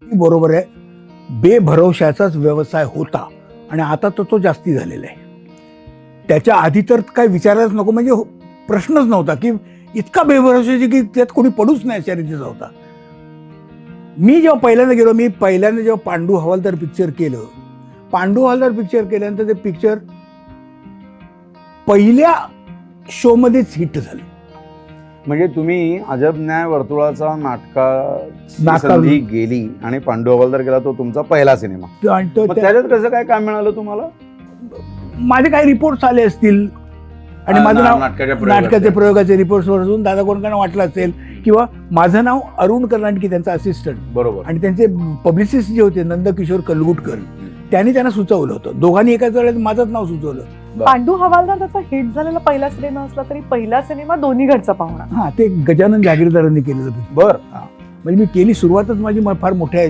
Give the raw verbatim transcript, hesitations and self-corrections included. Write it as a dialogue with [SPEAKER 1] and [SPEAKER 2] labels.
[SPEAKER 1] बरोबर आहे, बेभरवशाचाच व्यवसाय होता आणि आता तर तो जास्ती झालेला आहे. त्याच्या आधी तर काय विचारायलाच नको, म्हणजे हो- प्रश्नच नव्हता की इतका बेभरवशाची की त्यात कोणी पडूच नाही अशा रीतीचा होता. मी जेव्हा पहिल्यांदा गेलो, मी पहिल्यांदा जेव्हा पांडू हवालदार पिक्चर केलं, पांडू हवालदार पिक्चर केल्यानंतर ते पिक्चर पहिल्या शो मध्येच हिट झालं.
[SPEAKER 2] म्हणजे तुम्ही अजब न्याय वर्तुळाचा नाटका
[SPEAKER 1] नाटका-
[SPEAKER 2] संधी गेली आणि पांडू हवालदार केला, तो तुमचा पहिला सिनेमा.
[SPEAKER 1] आणि तो
[SPEAKER 2] मग
[SPEAKER 1] त्या-
[SPEAKER 2] त्याच्यात कसं काय काम मिळालं तुम्हाला?
[SPEAKER 1] माझे काही रिपोर्ट्स आले असतील आणि
[SPEAKER 2] हा,
[SPEAKER 1] माझं
[SPEAKER 2] ना-
[SPEAKER 1] नाव
[SPEAKER 2] नाटकाच्या प्रयोगाचे.
[SPEAKER 1] नाटकाचे प्रयोगाचे रिपोर्ट्स वरून दादा कोणकांना वाटलं असेल, किंवा माझं नाव अरुण कर्नाटकी, त्यांचा असिस्टंट,
[SPEAKER 2] बरोबर.
[SPEAKER 1] आणि त्यांचे पब्लिसिस्ट जे होते नंदकिशोर कलगुटकर, त्यांनी त्यांना सुचवलं होतं. दोघांनी एकाच वेळेस माझंच नाव सुचवलं.
[SPEAKER 3] पांडू हवालदार त्याचा हिट झालेला पहिला सिनेमा असला तरी पहिला सिनेमा दोन्ही घरचा पाहुणा.
[SPEAKER 1] हा, ते गजानन जागीरदारांनी केलेलं.
[SPEAKER 2] बर.
[SPEAKER 1] म्हणजे मी केली सुरुवातच माझी फार मोठ्या